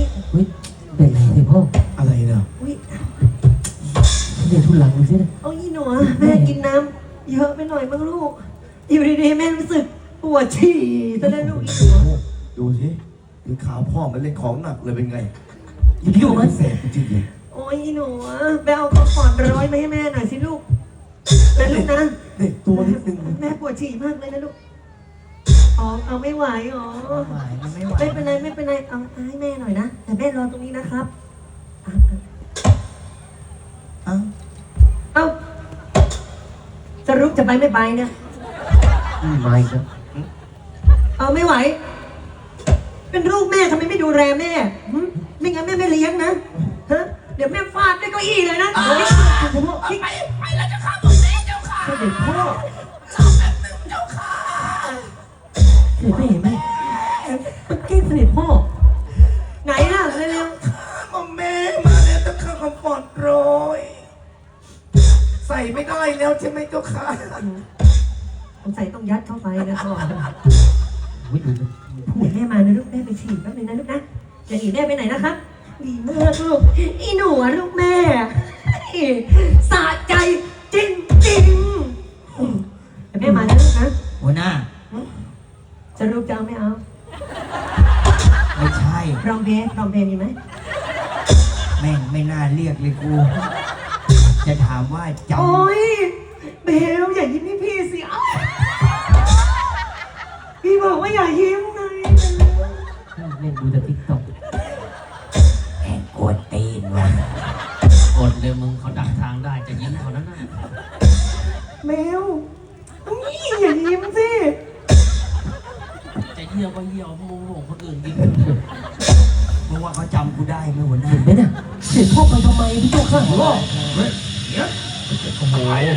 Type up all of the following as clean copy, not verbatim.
เฮ้ยเป็นไรเนี่ยพ่ออะไรเนาะอุ้ยเดี๋ยวทุลังดูสินะเอาอีหนูแม่กินน้ำเยอะไปหน่อยมั้งลูกอยู่ดีๆแม่รู้สึกปวดฉี่ซะแล้วลูกอีหนูดูสิถึงขาวพ่อมันเล่นของหนักเลยเป็นไงอย่าไปยุ่งมันแสบจริงเลยโอ้ยอีหนูไปเอากระป๋องร้อยมาให้แม่หน่อยสิลูกนะลูกนะเด็กตัวนิดนึงแม่ปวดฉี่มากเลยนะลูกอ๋อเอาไม่ไหวอ๋อไม่ไหวไม่เป็นไรไม่เป็นไรเอาให้แม่หน่อยนะแต่แม่รอตรงนี้นะครับเอาจะรุกจะไปไม่ไปเนี่ยไม่ครับเอาไม่ไหว เป็นลูกแม่ทำไมไม่ดูแลแม่หึไม่งั้นแม่ไม่เลี้ยงนะฮะเดี๋ยวแม่ฟาดด้วยเก้าอี้เลยนะไปแล้วเจ้าค่ะผมแม่เจ้าค่ะเสด็จพ่อรอแป๊บนึงเจ้าค่ะเห็นไหมเห็นไหมมันเก่งเสด็จพ่อไหนล่ะเร็วมอมแม่มาแล้วเจ้าค่ะคอมฟอร์ตโรยใส่ไม่ได้แล้วใช่ไหมเจ้าค่ะๆสงสัยต้องยัดเข้าไปนะพ่อวิดูมันเดี๋ยวแม่มานะลูกแม่ไปฉี่แป๊บนึงนะลูกนะจะหนีแม่ไปไหนนะครับดีมากลูกอีหนูอะลูกแม่สะใจจริงๆเดี๋ยวแม่มานะลูกนะหัวหน้าจะลูกจะเอาไม่เอาไม่ใช่ร้องเพลงมีไหมแม่งไม่น่าเรียกเลยกู จะถามว่าจโอ๊ยเบลอย่ายิ้มให้พี่สิอ้าวพี่บอกว่าอย่ายิ้มไงเล่นดูแต่ติ๊กต็อกำแม่งกวนตีนว่ะกดเลยมึงเขาดักทางได้จะยิงเขานั้นน่ะเบลนี่อย่ายิ้มสิจะเยี่ยวก็เยี่ยวโมโหคนอื่นยิงมึงว่าเขาจำกูได้ไหมหัวหน้าเห็นไหมน่ะเสด็จพ่อไปทำไมพี่เจ้าข้าโอ้โห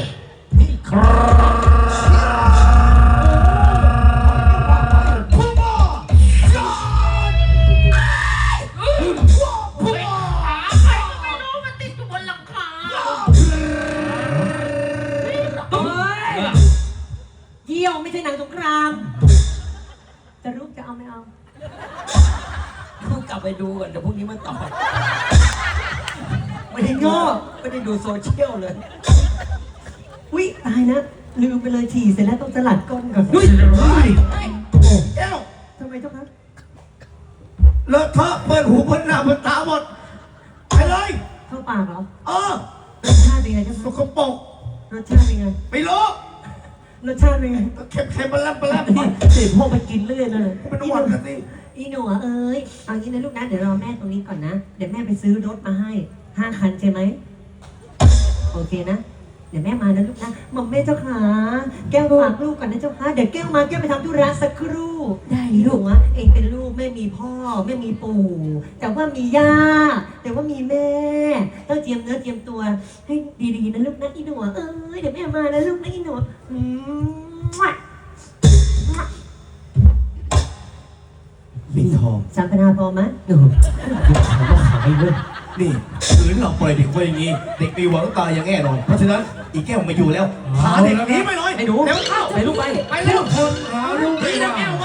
เยี่ยวไม่ใช่หนังสงครามจะลูกจะเอาไม่เอากูกลับไปดูก่อนเดี๋ยวพรุ่งนี้มันตอบไม่ได้โง่ไม่ได้ดูโซเชียลเลยอุ๊ยตายนะลืมไปเลยฉี่เสร็จแล้วต้องสลัดก้นก่อนเฮ้ยแก้วทำไมเจ้าคะเลอะเทอะเปิดหูเปิดหน้าเปิดตาหมดไปเลยเข้าปากเหรอเออรสชาติเป็นไงเจ้าสคะกปรกรสชาติเป็นไงไม่รู้รสชาติเป็นไงเค็มๆปลาปลาเสด็จพ่อไปกินเรื่อยเลยเป็นหวัดกันสิอีหนูเอ้ยเอางี้นะลูกนะเดี๋ยวรอแม่ตรงนี้ก่อนนะเดี๋ยวแม่ไปซื้อรถมาให้5 คันใช่ไหมโอเคนะเดี๋ยวแม่มานะลูกนะหม่อมแม่เจ้าขาแก้วฝากลูกก่อนนะเจ้าค่ะเดี๋ยวแก้วมาแก้วไปทำธุระสักครู่ได้ลูกวะเองเป็นลูกไม่มีพ่อไม่มีปู่แต่ว่ามีย่าแต่ว่ามีแม่ต้องเจียมเนื้อเจียมตัวให้ดีๆนะลูกนะอีหนูเอ้ยเดี๋ยวแม่มานะลูกนะอีหนูปิดทองสัมปนาพอไหมเออขายก็ขายเลยนี่คืนเราปล่อยเด็กไว้อย่างนี้ เด็กมีหวังตายอย่างแน่นอน เพราะฉะนั้นอีแก้วไม่อยู่แล้วพาเด็กหนีไปหน่อยไอ้หนูเร็วเข้าไปลูกไปไปเร็วคนหาลูกไม่ได้